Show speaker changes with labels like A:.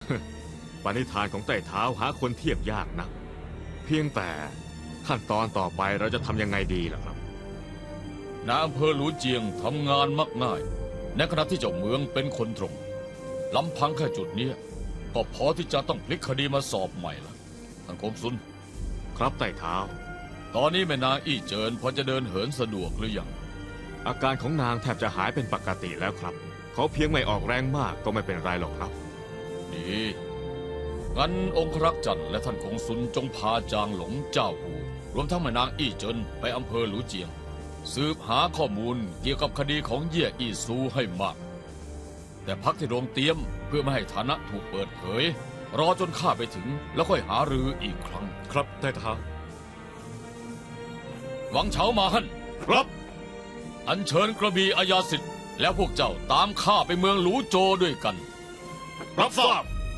A: ปณิธานของไต่เท้าหาคนเทียบยากนะเพียงแต่ขั้นตอนต่อไปเราจะทำยังไงดีล่ะครับ
B: นายอำเภอหลูเจียงทำงานมักง่ายในขณะที่เจ้าเมืองเป็นคนตรงลำพังแค่จุดนี้ก็พอที่จะต้องพลิกคดีมาสอบใหม่ละท่านคงซุน
A: ครับไต่เท้า
B: ตอนนี้แม่นางอี้เจินพอจะเดินเหินสะดวกหรือยัง
A: อาการของนางแทบจะหายเป็นปกติแล้วครับเขาเพียงไม่ออกแรงมากก็ไม่เป็นไรหรอกครับ
B: ดีงั้นองครักษ์จันทร์และท่านคงซุนจงพาจางหลงเจ้าหูรวมทั้งแม่นางอี้เจินไปอำเภอหลูเจียงสืบหาข้อมูลเกี่ยวกับคดีของเย่ยอี้ซูให้มากแต่พักที่โรงเตรียมเพื่อไม่ให้ฐานะถูกเปิดเผยรอจนข้าไปถึงแล้วค่อยหารืออีกครั้ง
A: ครับไต่เท้า
B: หวังเฉามาฮั่น
A: ครับ
B: อัญเชิญกระบี่อาญาสิทธิ์แล้วพวกเจ้าตามข้าไปเมืองหลูโจวด้วยกัน
A: รับทราบ